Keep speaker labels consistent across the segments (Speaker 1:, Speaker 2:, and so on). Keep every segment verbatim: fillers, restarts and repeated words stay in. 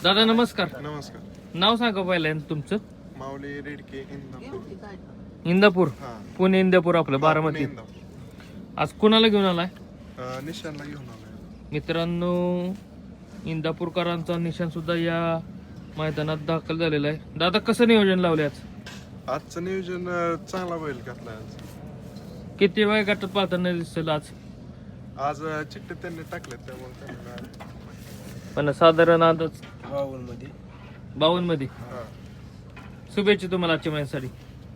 Speaker 1: दादा नमस्कार.
Speaker 2: नमस्कार.
Speaker 1: नाव सांगा पहिल्यांदा तुमचं.
Speaker 2: माऊली रेडके इंदापूर.
Speaker 1: इंदापूर
Speaker 2: हा
Speaker 1: पुणे इंदापूर आपलं
Speaker 2: पुणे
Speaker 1: बारामती.
Speaker 2: इंदापूर.
Speaker 1: आज कुणाला घेऊन आलाय
Speaker 2: अं, निशाणला घेऊन आलोय.
Speaker 1: मित्रांनो? इंदापूरकरांचा निशाण सुद्धा या मैदानात दाखल झालेला आहे. दादा कसं नियोजन लावले आज?
Speaker 2: आजचं नियोजन अं, चांगला बैल घातलाय आज.
Speaker 1: किती वेळ गटात पाहताना दिसेल आज?
Speaker 2: आज अं, चिठ्ठे त्यांनी टाकलेत त्यामुळे त्यांना
Speaker 1: पण साधारण अंदाज
Speaker 2: बावन्न मध्ये.
Speaker 1: बावन्न मध्ये.
Speaker 2: हा
Speaker 1: शुभेच्छा तुम्हाला आजच्या महिन्यासाठी.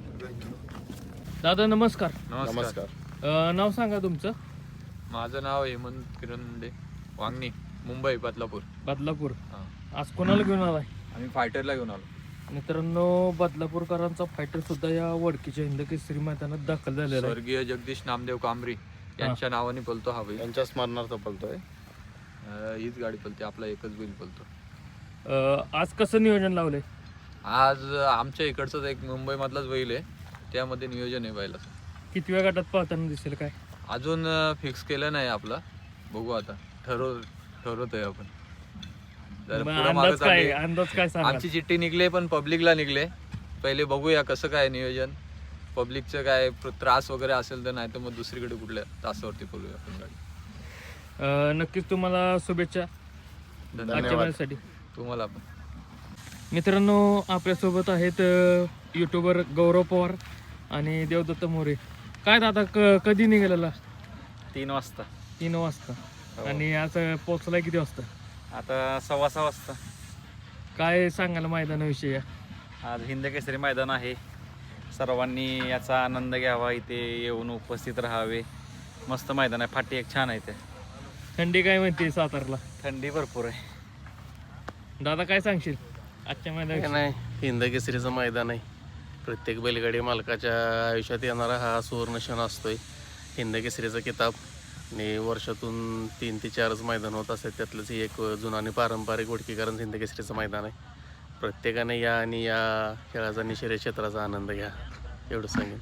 Speaker 1: दादा नमस्कार.
Speaker 3: नमस्कार.
Speaker 1: अं, नाव सांगा तुमचं.
Speaker 3: माझं नाव हेमंत किरण मुंडे, वांगणी, मुंबई, बदलापूर.
Speaker 1: बदलापूर.
Speaker 3: हा.
Speaker 1: आज कोणाला घेऊन आलाय?
Speaker 3: आम्ही फायटरला घेऊन आलो.
Speaker 1: मित्रांनो बदलापूरकरांचा फायटर सुद्धा या वडकीच्या हिंद केसरी मैदानात दाखल झालेला आहे.
Speaker 3: स्वर्गीय जगदीश नामदेव कांबरी यांच्या नावाने पलतो हा बैल.
Speaker 4: यांच्या स्मरणार्थ पळतोय.
Speaker 3: अं, हीच गाडी पलते, आपला एकच बैल पलतो.
Speaker 1: अं, आज कसं नियोजन लावलंय?
Speaker 3: आज आमच्या इकडचंच एक मुंबई मधलाच बैल आहे, त्यामध्ये नियोजन आहे बैलाचं.
Speaker 1: किती वेळ गटात पाहताना दिसेल काय?
Speaker 3: अजून फिक्स केलं नाही आपला, बघू आता ठरव ठरवतोय आपण. जर
Speaker 1: मग
Speaker 3: पुढं
Speaker 1: अंदाज
Speaker 3: मागं
Speaker 1: काय
Speaker 3: चालली.
Speaker 1: अंदाज काय सांगा?
Speaker 3: आमची चिठ्ठी निघले पण पब्लिकला निघले. पहिले बघूया कसं काय नियोजन. पब्लिकचं काय प्र- त्रास वगैरे असेल तर, नाही तर मग दुसरीकडे कुठल्या तासावरती बोलूया आपण गाडी.
Speaker 1: अं, नक्कीच तुम्हाला शुभेच्छा आजच्या
Speaker 3: धन्यवाद
Speaker 1: महिन्यासाठी.
Speaker 3: तुम्हाला पण.
Speaker 1: मित्रांनो आपल्यासोबत आहेत युट्यूबर गौरव पवार आणि देवदत्त मोरे. काय दादा क कधी निघालेला?
Speaker 4: तीन वाजता.
Speaker 1: तीन वाजता.
Speaker 4: हो.
Speaker 1: आणि आज पोहोचलाय किती वाजता?
Speaker 4: आता सव्वा सहा वाजता.
Speaker 1: काय सांगायला मैदानाविषयी?
Speaker 4: आज हिंद केसरी मैदान आहे. सर्वांनी याचा आनंद घ्यावा, इथे येऊन उपस्थित राहावे. मस्त मैदान आहे, फाटी एक छान आहे. ते
Speaker 1: थंडी काय म्हणते सातारला?
Speaker 4: थंडी भरपूर आहे.
Speaker 1: दादा काय सांगशील आजच्या
Speaker 5: काय
Speaker 1: मैदानाविषयी?
Speaker 5: नाही, हिंद केसरीचं मैदान आहे. प्रत्येक बैलगाडी मालकाच्या आयुष्यात येणारा हा सुवर्ण क्षण असतोय. हिंद केसरीचा किताब आणि वर्षातून तीन ते चारच मैदान होत असतात, त्यातलंच हे एक जुनं आणि पारंपरिक वडकीकरण हिंद केसरीचं मैदान आहे. प्रत्येकाने या आणि या खेळाचा आणि शर्यत क्षेत्राचा आनंद घ्या, एवढं सांगेन.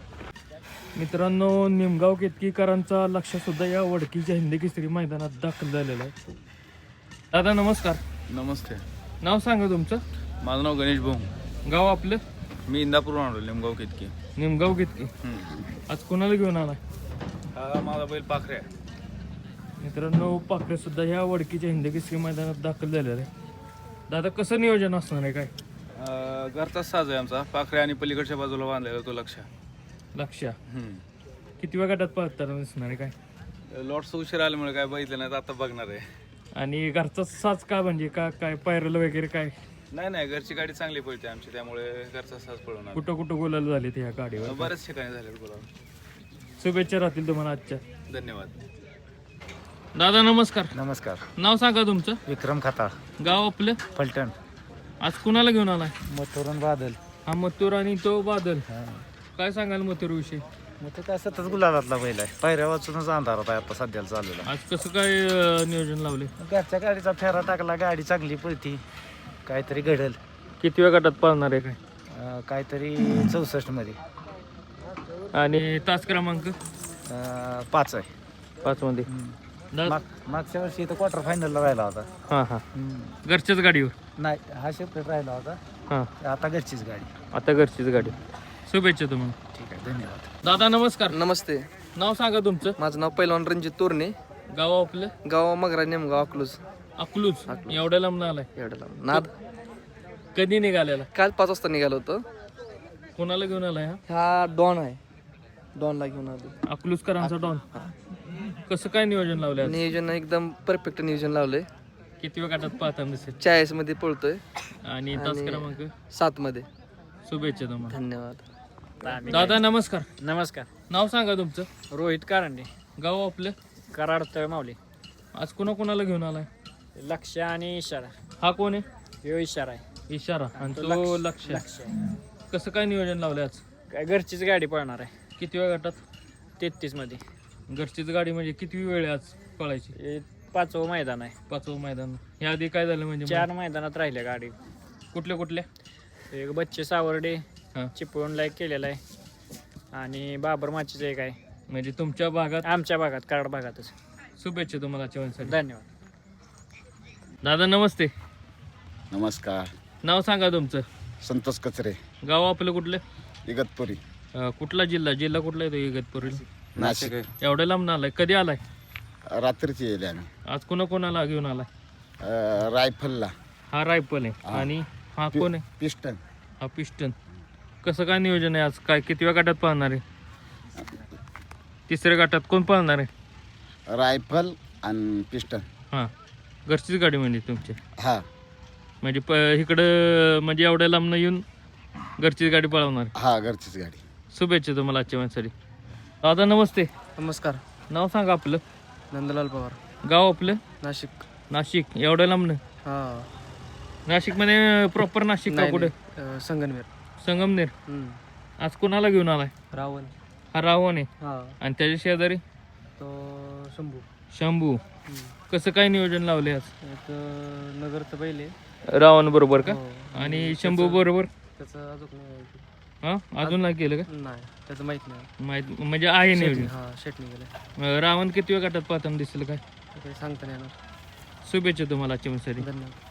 Speaker 1: मित्रांनो निमगाव केतकीकरांचा लक्ष सुद्धा या वडकीच्या हिंद केसरी मैदानात दाखल झालेला आहे. दादा नमस्कार.
Speaker 4: नमस्ते.
Speaker 1: नाव सांगा तुमचं.
Speaker 4: माझं नाव गणेश भाऊ.
Speaker 1: गाव आपलं?
Speaker 4: मी इंदापूर आणलो, लिंबगाव कितकी.
Speaker 1: निमगाव केतकी. आज कोणाला घेऊन आलाय?
Speaker 4: हा माझा बैल पाखरे आहे.
Speaker 1: मित्रांनो पाखरे सुद्धा ह्या वडकीच्या हिंद केसरी मैदानात दाखल झालेला आहे. दादा कसं नियोजन असणार आहे काय?
Speaker 4: घरचाच साज आहे आमचा. पाखरे आणि पलीकडच्या बाजूला बांधलेला तो लक्ष.
Speaker 1: लक्ष किती वेळ गटात पाहताना दिसणार आहे काय?
Speaker 4: लॉट्स उशीर आल्यामुळे काय बघितलं नाही, तर आता बघणार आहे.
Speaker 1: आणि घरचा साज का म्हणजे का काय पायरल वगैरे काय?
Speaker 4: नाही नाही, घरची गाडी चांगली पळते आमची, त्यामुळे घरचा साज पळवणार.
Speaker 1: कुठं कुठं गोलाला झाले ते ह्या गाडीवर?
Speaker 4: बऱ्याच ठिकाणी झाले बोला.
Speaker 1: शुभेच्छा राहतील तुम्हाला आजच्या.
Speaker 4: धन्यवाद.
Speaker 1: दादा नमस्कार.
Speaker 6: नमस्कार.
Speaker 1: नाव सांगा तुमचं.
Speaker 6: विक्रम खताळ,
Speaker 1: गाव आपलं?
Speaker 6: फलटण.
Speaker 1: आज कुणाला घेऊन आलाय?
Speaker 6: मथुरण बादल.
Speaker 1: हा मथुर आणि तो बादल. काय सांगाल मथुर विषयी?
Speaker 6: मग तो काय सतत गुलाबातला बैल आहे. पायऱ्या वाचूनच अंधारात आहे आता सध्याला चाललेला.
Speaker 1: आज कसं काय अं, नियोजन लावले?
Speaker 6: घरच्या गाडीचा फेरा टाकला, गाडी चांगली पळती, काहीतरी घडल.
Speaker 1: किती वेळ गटात पाळणार आहे काय?
Speaker 6: अं, काहीतरी चौसष्ट मध्ये.
Speaker 1: आणि तास क्रमांक
Speaker 6: अं, पाच आहे.
Speaker 1: पाच मध्ये. दा-
Speaker 6: माग मागच्या वर्षी इथं क्वार्टर फायनलला राहिला होता.
Speaker 1: हा हा
Speaker 6: हम्म.
Speaker 1: घरच्याच गाडीवर.
Speaker 6: नाही, हा सेपरेट राहिला होता.
Speaker 1: हा
Speaker 6: आता घरचीच गाडी.
Speaker 1: आता घरचीच गाडी. शुभेच्छा तुम्हाला.
Speaker 6: ठीक आहे, धन्यवाद.
Speaker 1: दादा नमस्कार.
Speaker 7: नमस्ते.
Speaker 1: नाव सांगा तुमचं.
Speaker 7: माझं नाव पैलवान रणजित तोरणे,
Speaker 1: गाव आपलं?
Speaker 7: गाव मगरा नेमगाव अकलूज.
Speaker 1: अकलूज. एवढ्या लांब आलाय?
Speaker 7: एवढं लांब. नाद
Speaker 1: कधी निघालेला?
Speaker 7: काल पाच वाजता निघालो होतो.
Speaker 1: कोणाला घेऊन आलाय हा?
Speaker 7: हा डॉन आहे, डॉनला घेऊन आलो.
Speaker 1: अकलूजकरांचा डॉन. कसं काय नियोजन लावलं?
Speaker 7: नियोजन एकदम परफेक्ट नियोजन लावलंय.
Speaker 1: किती वेळ गटात पाहताना दिसेल?
Speaker 7: चाळीस मध्ये पळतोय
Speaker 1: आणि तास
Speaker 7: आणि-
Speaker 1: क्रमांक?
Speaker 7: सात मध्ये.
Speaker 1: शुभेच्छा तुम्हाला.
Speaker 7: धन्यवाद.
Speaker 1: दादा नमस्कार.
Speaker 6: नमस्कार.
Speaker 1: नाव सांगा तुमचं.
Speaker 6: रोहित कारंडे,
Speaker 1: गाव आपलं?
Speaker 6: कराड तळमावली.
Speaker 1: आज कोणा कोणाला घेऊन आलाय?
Speaker 6: लक्ष आणि इशारा.
Speaker 1: हा कोण आहे?
Speaker 6: यो इशारा आहे.
Speaker 1: इशारा आणि तो लक्ष. कसं काय नियोजन लावलं आज?
Speaker 6: काय घरचीच गाडी पळणार आहे.
Speaker 1: किती वेळ गटात?
Speaker 6: तेहतीस मध्ये.
Speaker 1: घरचीच गाडी म्हणजे किती वेळ आहे आज पळायची?
Speaker 6: हे पाचवं मैदान आहे.
Speaker 1: पाचवं मैदान. ह्या आधी काय झालं म्हणजे?
Speaker 6: चार मैदानात राहिल्या गाडी.
Speaker 1: कुठल्या कुठल्या?
Speaker 6: एक बच्चे सावर्डे
Speaker 1: हा.
Speaker 6: चिपळूण लाईक केलेला आहे आणि बाबर माचीचं एक आहे.
Speaker 1: म्हणजे तुमच्या भागात?
Speaker 6: आमच्या भागात, कराड भागातच.
Speaker 1: शुभेच्छा तुम्हाला जेवणासाठी.
Speaker 6: धन्यवाद.
Speaker 1: दादा नमस्ते.
Speaker 8: नमस्कार.
Speaker 1: नाव सांगा तुमचं.
Speaker 8: संतोष कचरे,
Speaker 1: गाव आपलं कुठलं?
Speaker 8: इगतपुरी,
Speaker 1: अं, कुठला जिल्हा जिल्हा कुठला येतो इगतपुरीला?
Speaker 8: नाशिक.
Speaker 1: एवढ्या लांब आलाय, कधी आलाय?
Speaker 8: रात्रीची येईल आम्ही.
Speaker 1: आज कोणा कोणाला घेऊन आलाय?
Speaker 8: अं, रायफलला
Speaker 1: हा रायफल आहे
Speaker 8: हा.
Speaker 1: आणि हा कोण आहे?
Speaker 8: पिस्टन.
Speaker 1: हा पिस्टन. कसं काय नियोजन आहे आज? काय कितव्या गटात पाहणार आहे? तिसऱ्या गटात कोण पाहणार आहे?
Speaker 8: रायफल आणि पिस्टन.
Speaker 1: हां, घरचीच गाडी म्हणजे तुमची?
Speaker 8: हा
Speaker 1: म्हणजे प इकडं म्हणजे एवढ्या लांबनं येऊन घरचीच गाडी पळवणार.
Speaker 8: हा घरचीच गाडी.
Speaker 1: शुभेच्छा तुम्हाला आजच्या माझ्यासाठी. दादा नमस्ते.
Speaker 7: नमस्कार.
Speaker 1: नाव सांगा आपलं.
Speaker 7: नंदलाल पवार,
Speaker 1: गाव आपलं?
Speaker 7: नाशिक.
Speaker 1: नाशिक. एवढ्या लांबनं?
Speaker 7: हा.
Speaker 1: नाशिकमध्ये प्रॉपर नाशिक का कुठे?
Speaker 7: अं, संगनमेर.
Speaker 1: संगमनेर.
Speaker 7: हम्म.
Speaker 1: आज कोणाला घेऊन आलाय?
Speaker 7: रावण.
Speaker 1: हा रावण आहे.
Speaker 7: हा.
Speaker 1: आणि त्याच्या शेजारी
Speaker 7: तो शंभू.
Speaker 1: शंभू. कसं काय नियोजन लावले आज?
Speaker 7: एक नगरचं बैल आहे.
Speaker 1: रावण बरोबर का?
Speaker 7: हो.
Speaker 1: आणि शंभू बरोबर?
Speaker 7: त्याचं अजून नाही माहिती.
Speaker 1: हा, अजून नाही केलं का?
Speaker 7: नाही, त्याचं माहित नाही.
Speaker 1: माहित म्हणजे आहे नियोजन.
Speaker 7: हा, शेटणी गेलं.
Speaker 1: अं, रावण किती वेळ गटात पाहताना दिसेल काय?
Speaker 7: काही सांगता नाही येणार.
Speaker 1: शुभेच्छा तुम्हाला आजच्या माझ्यासाठी.
Speaker 7: धन्यवाद.